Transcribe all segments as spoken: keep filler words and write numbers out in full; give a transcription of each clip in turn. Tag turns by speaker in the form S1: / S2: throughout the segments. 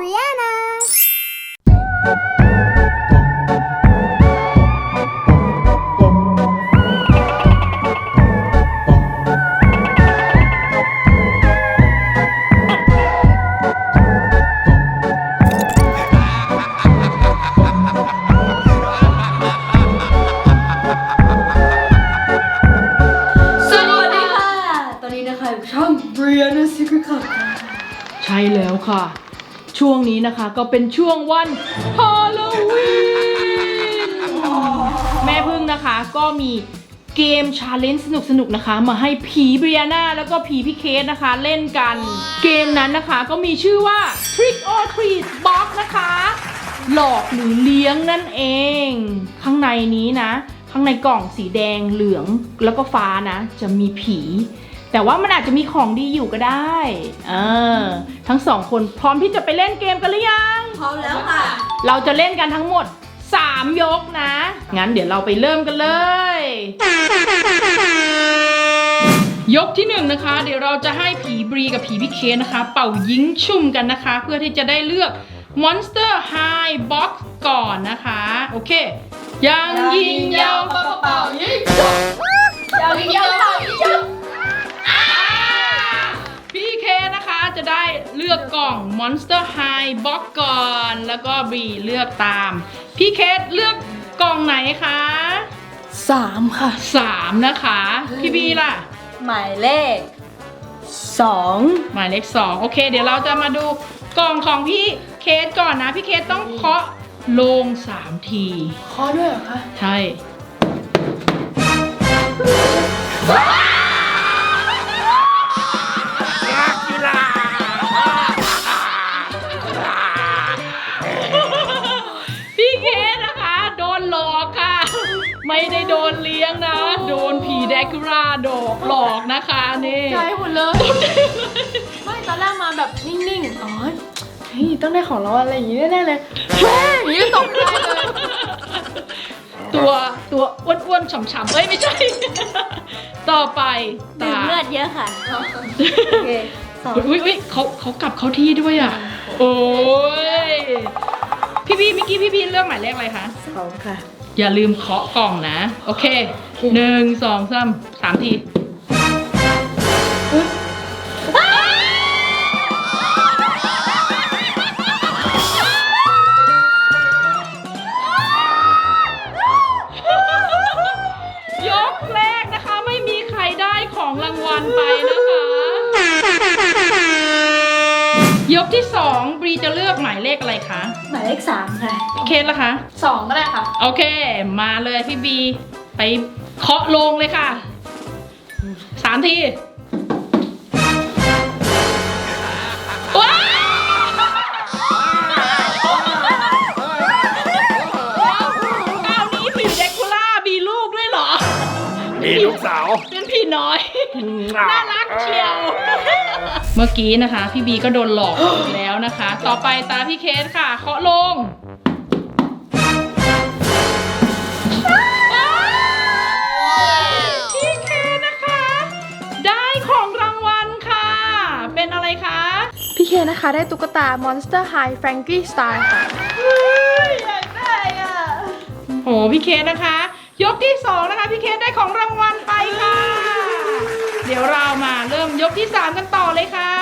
S1: Brianna
S2: ช่อง Brianna Secret Club ใช่แล้วค่ะ ช่วงนี้นะคะก็เป็นช่วงวันฮาโลวีนแม่พึ่งนะคะก็มีเกมชาเลนจ์สนุกๆนะคะมาให้ผีเบรียนาแล้วก็ผีพี่เคสนะคะเล่นกันเกมนั้นนะคะก็มีชื่อว่า Trick or Treat Box นะคะหลอกหรือเลี้ยงนั่นเองข้างในนี้นะข้างในกล่องสีแดงเหลืองแล้วก็ฟ้านะจะมีผีแต่ว่ามันอาจจะมีของดีอยู่ก็ได้เออทั้งสองคนพร้อมที่จะไปเล่นเกมกันหรือยัง
S1: พร้อมแล้วค่ะ
S2: เราจะเล่นกันทั้งหมดสามยกนะงั้นเดี๋ยวเราไปเริ่มกันเลยยกที่หนึ่งนะคะเดี๋ยวเราจะให้ผีบรีกับผีพี่เคนะคะเป่ายิงชุ่มกันนะคะเพื่อที่จะได้เลือก Monster High Box ก่อนนะคะโอเคยังยิงยาวเป่าเป่ายิงชุ่มยังยิงยาวเป่ายิงชุ่มพี่เคนะคะจะได้เลือกกล่อง Monster High Box ก่อนแล้วก็บรีเลือกตามพี่เคเลือกกล่องไหนคะ
S1: สามค่ะ
S2: สามนะคะพี่บีล่ะ
S1: หมายเลขสอง
S2: หมายเลขสองโอเคเดี๋ยวเราจะมาดูกล่องของพี่เคสก่อนนะพี่เคสต้องเคาะลงสามที
S1: เคาะด้วยเหรอคะ
S2: ใช่พี่เคสนะคะโดนหลอกค่ะไม่ได้โดนเลี้ยงนะโดนผีแดคูล่าดอกหลอกนะคะนี่
S1: ใจหมดเลยไม่ตอนแรกมาแบบนิ่งๆอ๋อเฮ้ยต้องได้ของเราอะไรอย่างนี้แน่ๆเลยแม่อย่างนี้ตกใจเลย
S2: ตัวตัวอ้วนๆฉ่ำๆเอ้ยไม่ใช่ต่อไป
S1: ตาเลือดเยอะค่ะโอเค
S2: อุ้ยอุ้ยเขาเขากลับเขาที่ด้วยอ่ะโอ้ยพี่พี่เมื่อกี้พี่พี่เลือกหมายเลขอะไรคะ
S1: สองค่ะ
S2: อย่าลืมเคาะกล่องนะโอเคหนึ่งสองสามสามทียกแรกนะคะไม่มีใครได้ของรางวัลไปนะคะยกที่สองบรีจะเลือกหมายเลขอะไรคะ
S1: หมายเลขสามค่ะ
S2: พี่เคสล่ะคะ
S1: สองก็ได้ค่ะ
S2: โอเคมาเลยพี่บีไปเคาะลงเลยค่ะสามทีว้าวคราวนี้ผีแดคูล่ามีลูกด้วยเหรอ
S3: มีลูกสาว
S2: เป็นผีน้อยน่ารักเชียวเมื่อกี้นะคะพี่บีก็โดนหลอกอีกแล้วนะคะต่อไปตาพี่เคสค่ะเคาะลงพี่เคนะคะได้ของรางวัลค่ะเป็นอะไรคะ
S1: พี่เคนะคะได้ตุ๊กตา Monster High Frankie Style ค่ะอยากได้อ่ะ
S2: โหพี่เคนะคะยกที่สองนะคะพี่เคได้ของรางวัลไปค่ะเดี๋ยวเรามาเริ่มยกที่สามกันต่อเลยค่ะ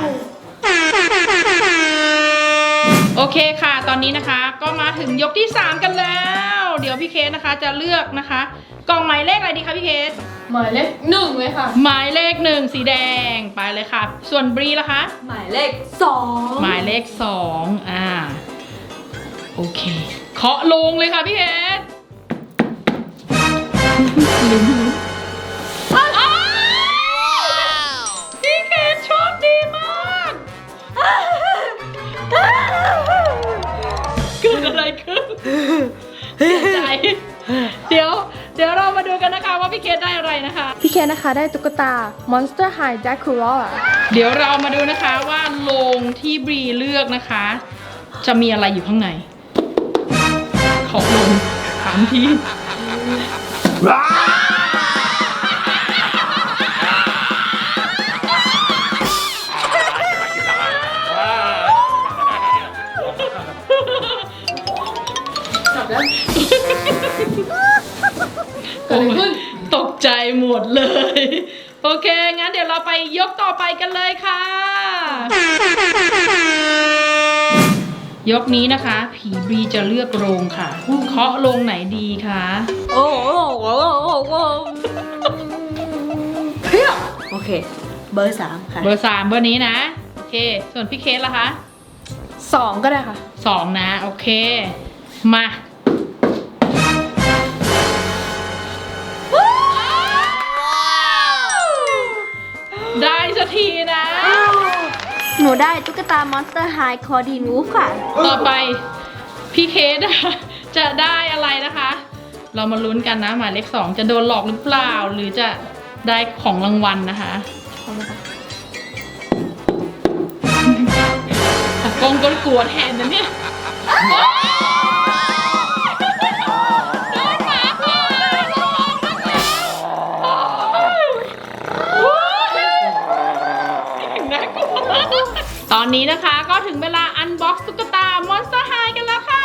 S2: โอเคค่ะตอนนี้นะคะก็มาถึงยกที่สามกันแล้วเดี๋ยวพี่เคสนะคะจะเลือกนะคะกล่องหมายเลขอะไรดีคะพี่เคส
S1: หมายเลขหนึ่งเลยค่ะ
S2: หมายเลขหนึ่งสีแดงไปเลยค่ะส่วนบรีล่ะคะ
S1: หมายเลขสอง
S2: หมายเลขสองอ่าโอเคเคาะลงเลยค่ะพี่เคสพี่เคสโชคดีมากเกิดอะไรขึ้นเสียใจเดี๋ยวเดี๋ยวเรามาดูกันนะคะว่าพี่เคสได้อะไรนะคะ
S1: พี่เคสนะคะได้ตุ๊กตา Monster High Dracula
S2: เดี๋ยวเรามาดูนะคะว่าโลงที่บรีเลือกนะคะจะมีอะไรอยู่ข้างในขอลงถามที
S1: กิดอะไรขึ้น
S2: ตกใจหมดเลย โอเค งั้นเดี๋ยวเราไปยกต่อไปกันเลยค่ะ ยกนี้นะคะ ผีบรีจะเลือกโรงค่ะ เคาะโรงไหนดีคะ
S4: โอ้โหโอ้โหโอ้โหเพี้ยโอเค เบอร์สามค่ะ
S2: เบอร์สามเบอร์นี้นะ โอเค ส่วนพี่เคสล่ะคะ
S1: สองก็ได้ค่ะ
S2: สองนะ โอเค มา ได้สักทีนะ
S4: หนูได้ตุ๊กตามอนสเตอร์ไฮคอดีนูฟค่ะ
S2: ต่อไปพี่เคสอะจะได้อะไรนะคะ เรามาลุ้นกันนะหมายเลขสองจะโดนหลอกหรือเปล่า หรือจะได้ของรางวัลนะคะตากล้องก็กลัวแทนนะเนี่ยโดนหมาค่ะน่ากลัวตอนนี้นะคะก็ถึงเวลาอันบ็อกซ์ตุ๊กตามอนสเตอร์ไฮกันแล้วค่ะ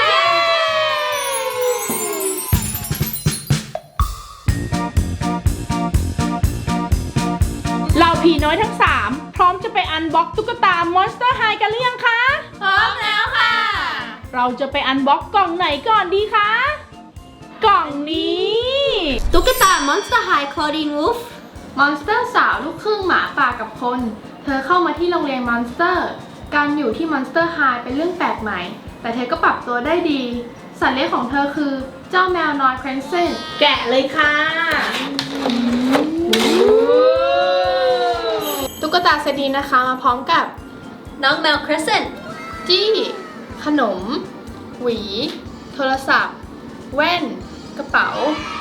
S2: เราผีน้อยทั้งสามพร้อมจะไปอันบ็อกตุ๊กตามอนสเตอร์ไฮกันหรือยังคะ
S1: พร้อมแล้วค่ะ
S2: เราจะไปอันบ็อกกล่องไหนก่อนดีคะ กล่องนี้
S4: ตุ๊กตามอนสเตอร์ไฮคอดีนูฟ
S1: มอนสเตอร์สาวลูกครึ่งหมาป่ากับคน เธอเข้ามาที่โรงเรียนมอนสเตอร์ การอยู่ที่มอนสเตอร์ไฮเป็นเรื่องแปลกใหม่ แต่เธอก็ปรับตัวได้ดี สัตว์เลี้ยงของเธอคือเจ้าแมวน้อยเครนเซน
S2: แกะเลยค่ะ
S1: ตุ๊กตาเซตนี้นะคะมาพร้อมกับ
S4: น้องแมวครสเซน
S1: จี้ ขนม หวี โทรศัพท์ แว่น กระเป๋า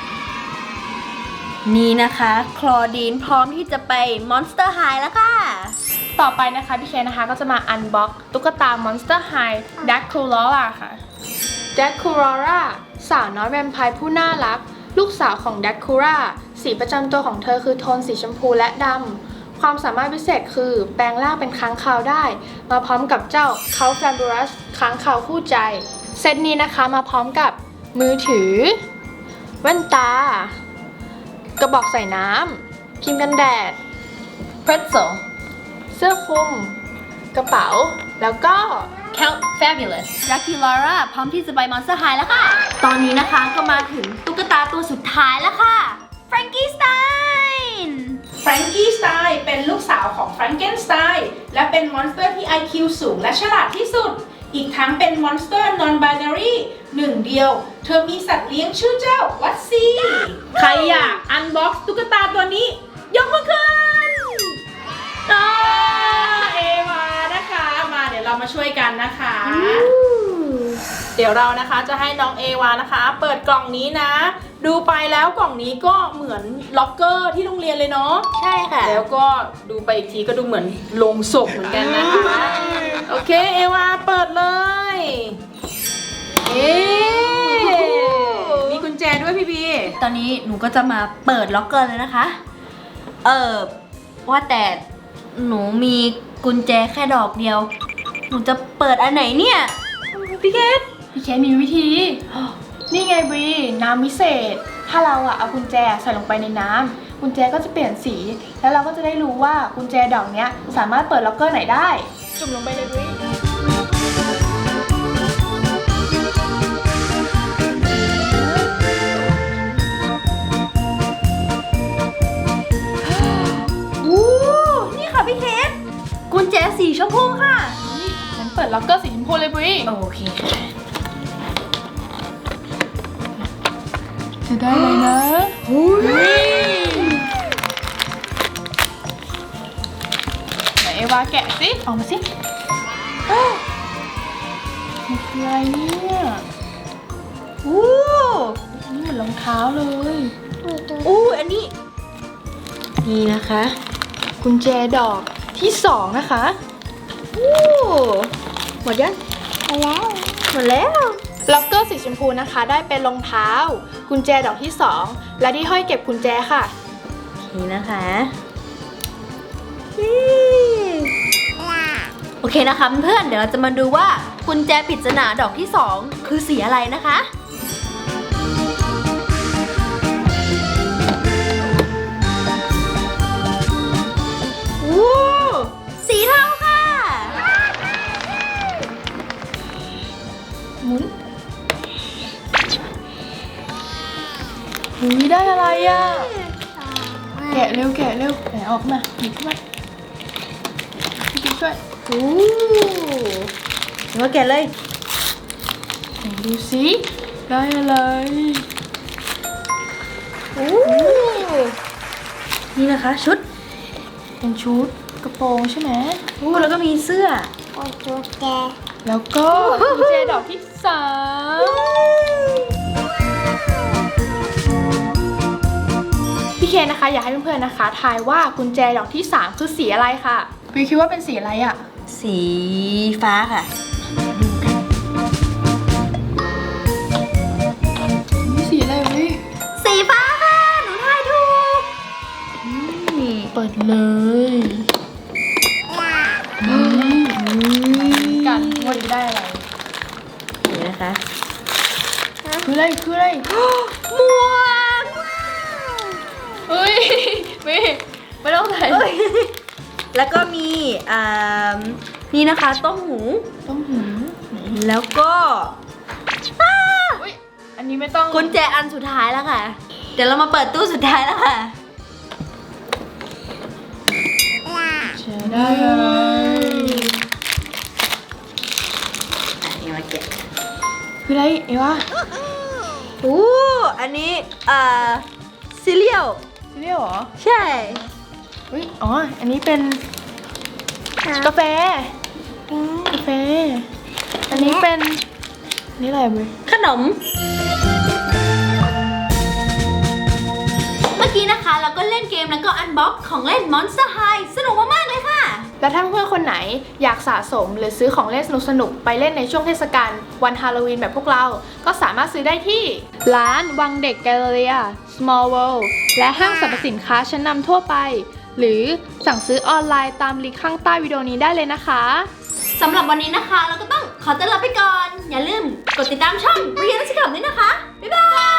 S4: นี่นะคะคลอดีนพร้อมที่จะไปมอนสเตอร์ไฮแล้วค่ะ
S1: ต่อไปนะคะพี่เคนะคะก็จะมาอันบ็อกตุ๊กตา Monster High Draculaura ค่ะ Draculaura สาวน้อยแวมไพร์ผู้น่ารัก ลูกสาวของ Dracula สีประจำตัวของเธอคือโทนสีชมพูและดำ ความสามารถพิเศษคือแปลงร่างเป็นค้างคาวได้ มาพร้อมกับเจ้า Count Fabulous ค้างคาวคู่ใจ เซตนี้นะคะมาพร้อมกับมือถือ แว่นตา กระบอกใส่น้ำครีมกันแดด
S4: Pretzel
S1: เสื้อคลุม กระเป๋า แล้วก็
S4: Count Fabulous Draculaura พร้อมที่จะไปมอนสเตอร์ไฮแล้วค่ะ ตอนนี้นะคะก็มาถึงตุ๊กตาตัวสุดท้ายแล้วค่ะ Frankenstein
S2: แฟรงกี้สไตน์เป็นลูกสาวของแฟรงเกนสไตน์และเป็นมอนสเตอร์ที่ ไอ คิว สูงและฉลาดที่สุด อีกทั้งเป็นมอนสเตอร์ non-binary หนึ่งเดียว เธอมีสัตว์เลี้ยงชื่อเจ้าวัตซีใครอยากอันบ็อกซ์ตุ๊กตาตัวนี้ ยกมือขึ้นอ่าเอวานะคะ มาเดี๋ยวเรามาช่วยกันนะคะ เดี๋ยวเรานะคะจะให้น้องเอวานะคะ เปิดกล่องนี้นะ ดูไปแล้วกล่องนี้ก็เหมือนล็อกเกอร์ที่โรงเรียนเลยเนาะ
S4: ใช่ค่ะ
S2: แล้วก็ดูไปอีกทีก็ดูเหมือนโลงศพเหมือนกันนะคะ โอเคเอวาเปิดเลยเอ๊มีกุญแจด้วยพี่บี
S4: ตอนนี้หนูก็จะมาเปิดล็อกเกอร์เลยนะคะ เออว่าแต่หนูมีกุญแจแค่ดอกเดียว หนูจะเปิดอันไหนเนี่ย พี่เกด
S1: พี่เคมีวิธี นี่ไงบรีน้ำวิเศษ ถ้าเราอะเอากุญแจใส่ลงไปในน้ำกุญแจก็จะเปลี่ยนสี แล้วเราก็จะได้รู้ว่ากุญแจดอกเนี้ยสามารถเปิดล็อกเกอร์ไหนได้ จุ่มลงไปเลยบรี
S4: อู้นี่ค่ะพี่เกดกุญแจสีชมพูค่ะ
S1: ฉันเปิดล็อกเกอร์สีชมพูเลยบรี
S4: โอเคค่ะ
S1: จะได้เลยนะไหนเอวาแกะสิออกมาสิมันคืออะไรเนี่ย
S4: อู้
S1: นี่เหมือนรองเท้าเลย
S4: อู้อันนี้ นี่นะคะ
S1: กุญแจดอกที่สองนะคะ
S4: อู้หมดยังหมดแล้วหมดแล้ว
S1: ล็อกเกอร์สีชมพูนะคะ ได้เป็นรองเท้า กุญแจดอกที่สองและที่ห้อยเก็บกุญแจค่ะ
S4: นี่นะคะโอเคนะคะเพื่อนๆเดี๋ยวเราจะมาดูว่ากุญแจปริศนาดอกที่สองคือสีอะไรนะคะ
S1: หุยได้อะไรอ่ะ แกะเร็วแกะเร็วแกะออกมาหยิบขึ้นมาพี่กิ๊กช่วย
S4: โอ้หนูว่าแกะเลย
S1: ไหนดูสิได้อะไร
S4: โอ้นี่นะคะชุด
S1: เป็นชุดกระโปรงใช่ไหม
S4: โอ้แล้วก็มีเสื้อ
S1: แล้วก็กุญแจดอกที่สามพี่เคนนะคะ อยากให้เพื่อนๆนะคะทายว่ากุญแจดอกที่สามคือสีอะไรค่ะพี่คิดว่าเป็นสีอะไรอ่ะ
S4: สีฟ้าค่ะ
S1: นี่สีอะไรวิ
S4: สีฟ้าค่ะ หนูทายถูกนี่
S1: เปิดเลยกันว่าจะได้อะไร
S4: นี่นะคะ
S1: คืออะไรคืออะไร
S4: หมวก
S1: เฮ้ยไม่ไม่ต้องใส่
S4: เอ้ยแล้วก็มีอ่านี่นะคะต้มหู
S1: ต้องหู
S4: แล้วก็
S1: อุ้ยอันนี้ไม่ต้อง
S4: กุญแจอันสุดท้ายแล้วค่ะ เดี๋ยวเรามาเปิดตู้สุดท้ายแล้วค่ะ
S1: แชร์ได้อะไร
S4: อ่ะนี่มาแกะ
S1: คืออะไรเอวะ
S4: อู้อันนี้อ่าซีเรียล
S1: ซีเรียลเหรอ
S4: ใช่
S1: อุ้ยอ๋ออันนี้เป็นกาแฟกาแฟอันนี้เป็นนี่อะไรเว้ย
S4: ขนม เมื่อกี้นะคะเราก็เล่นเกมแล้วก็อันบ็อกของเล่น Monster High สนุกมากๆเลยค่ะ
S1: และถ้าเพื่อนๆคนไหนอยากสะสมหรือซื้อของเล่นสนุกๆไปเล่นในช่วงเทศกาลวันฮาโลวีนแบบพวกเรา ก็สามารถซื้อได้ที่ ร้านวังเด็กแกลเลอรี่ Small World และห้างสรรพสินค้าชั้นนำทั่วไป หรือสั่งซื้อออนไลน์ตามลิงก์ข้างใต้วิดีโอนี้ได้เลยนะคะ
S4: สำหรับวันนี้นะคะเราก็ต้องขอตัวลาไปก่อน อย่าลืมกดติดตามช่องเรียนนักศึกษาด้วยนะคะ บ๊ายบาย